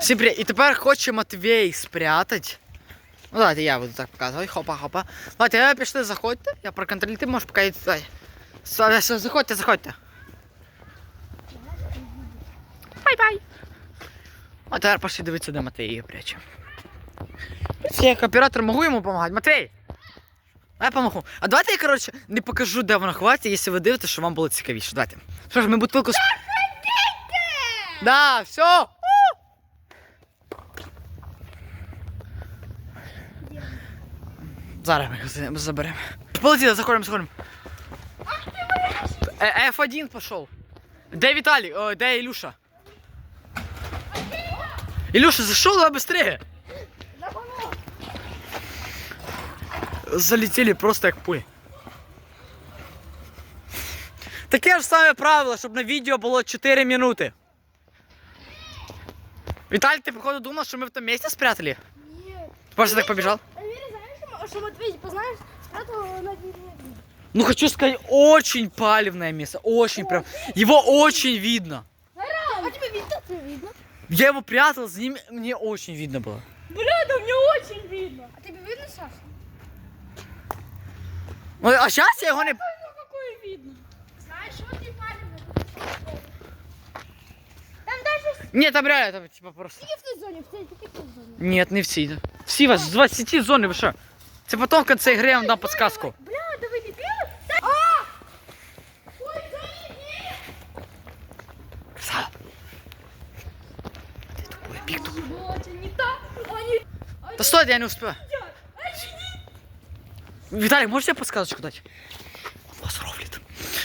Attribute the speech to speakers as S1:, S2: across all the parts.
S1: Всім привіт. І тепер хоче Матвій спрятати. Ну давайте я буду так показувати. Хопа-хопа. Давайте, пішли, заходьте. Я проконтролюю, ти можеш поки йти. Заходьте. Бай-бай. А тепер пошли дивитися, де Матвій її пряче. Я як оператор можу йому допомагати. Матвій! Я помогу. А давайте я, коротше, не покажу, де вона ховається, якщо ви дивитесь, щоб вам було цікавіше. Давайте. Що ж, ми бутилку... Да, все. Зараз ми його заберемо. Полетіли, заходимо. F1 пішов. Де Віталій? О, де Ілюша? Ілюша, зайшов, давай быстрее. Залетели просто як пуль. Таке ж саме правило, щоб на відео було 4 минути. Віталій, ти походу думав, що ми в тому місці спрятали?
S2: Ні.
S1: Ты просто так побежал?
S2: Знаешь, что Матвей, познаешь, спрятал на деревне.
S1: Ну хочу сказать, очень палевное место, очень прям. Его очень видно.
S2: А тебе видно? Тебе видно?
S1: Я его прятал, с ним мне очень видно было.
S2: Бля, да мне очень видно. А тебе видно, Саша?
S1: А сейчас я его не...
S2: Ну какое видно? Знаешь, вот не палевно. Там даже...
S1: Нет, там реально, там типа просто...
S2: Тільки в той зоні, в той зоні.
S1: Нет, не всі. Всі вас з 20 зони, ви що? Це потім в кінці гри я вам дам підсказку.
S2: Бля, да вы не пили? А! Ой, зоні,
S1: Красава. Ти тупой, пік тупой.
S2: вот, не так. Они...
S1: Та стой, я не успеваю. Виталик, можешь тебе подсказочку дать? Вас ровлит.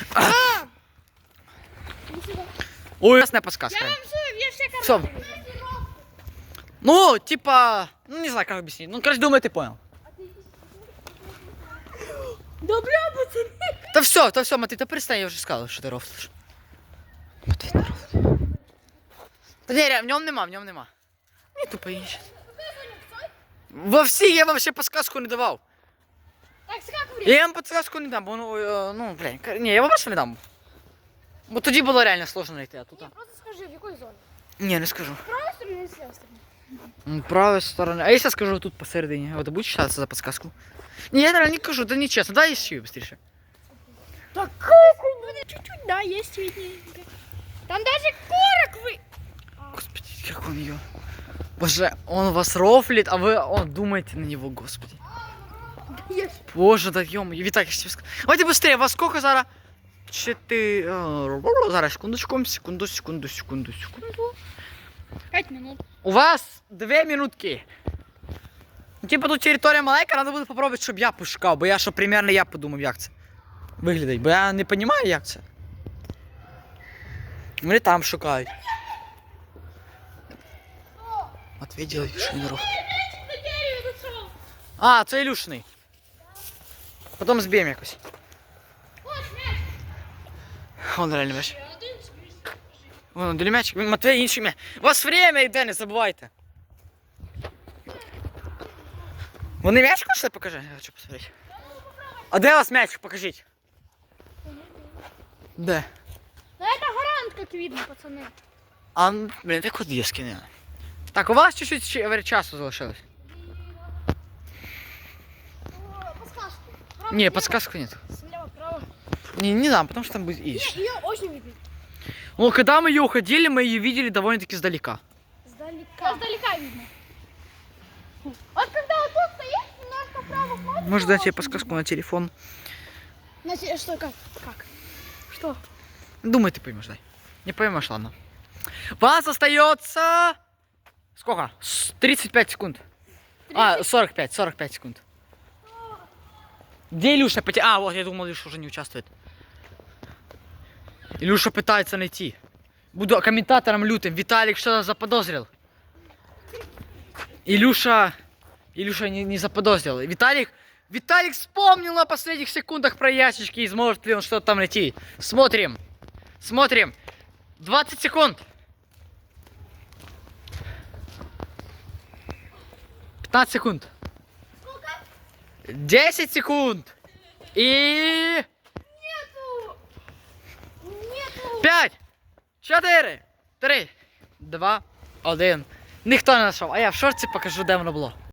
S1: Ой, ясная подсказка.
S2: Я вам все
S1: Всё.
S2: карты.
S1: Ну, типа, ну не знаю, как объяснить. Ну, короче, думаю, ты понял.
S2: Да бля, пацаны.
S1: Да все, Матвей, да перестань, я уже сказал, что ты рофлишь. Матвей, не рофлишь. Да не, в нем нема. Не тупо ищет. Во всі я вам ще подсказку не давав.
S2: Так, скак время.
S1: Я вам подсказку не дам, бо ну, блін, ні, я вам більше не дам. Бо тоді було реально сложно знайти, а тут.
S2: Не, просто скажи, в какой зоне?
S1: Ні, не скажу.
S2: Правая сторона или левая сторона?
S1: Правая сторона. А если скажу тут посередине, вот ты будешь считаться за подсказку? Не, я реально не скажу, да нечестно. Давай ищи быстрее.
S2: Такая хуйня. Чуть-чуть, да, есть видненько. Там даже корок вы...
S1: Господи, как он ее. Боже, он вас рофлит, а вы думаете на него, господи. Боже, да ё-моё, Виталик, я тебе скажу. Давайте быстрее, вас сколько зараз? 4... Зараз, секунду.
S2: 5 минут.
S1: У вас 2 минутки. Ну, типа тут територія маленька, треба буде попробувати, щоб я пошукав, бо я, щоб примерно я подумав, як це виглядить, бо я не розумію, як це. Вони там шукають. Матвій ділить, що він робить. А, це Ілюшний. Потім зб'ємо якось. Вон реально м'яч. Вон, для м'ячик. Матвій, інший м'яч. У вас время йде, не забувайте. Вони м'яч хочете? Покажи, я хочу посмотреть. А де у вас м'яч? Покажіть. Де?
S2: Ну это гарант, как видно, пацаны.
S1: А, блін, так от є скине. Так, у вас чуть-чуть часу залишилось.
S2: Подсказку.
S1: Не, подсказку нет.
S2: Слева, право.
S1: Не дам, потому что там будет ищ.
S2: Ее очень видно.
S1: Ну, когда мы ее уходили, мы ее видели довольно-таки издалека.
S2: Издалека видно. Вот когда вот тут стоишь, немножко вправо смотришь.
S1: Может дать тебе подсказку на телефон?
S2: Что, как? Что?
S1: Думай, ты поймешь, дай. Не поймешь, ладно. Вас остается... Сколько? 35 секунд. 45 секунд. Где Илюша? А, вот, я думал, Илюша уже не участвует. Илюша пытается найти. Буду комментатором лютым. Виталик что-то заподозрил. Илюша не заподозрил. Виталик вспомнил на последних секундах про ящички и сможет ли он что-то там найти. Смотрим. 20 секунд. 15 секунд. 10 секунд. И... Нету. 5, 4, 3, 2, 1. Ніхто не знайшов, а я в шорці покажу, де воно було.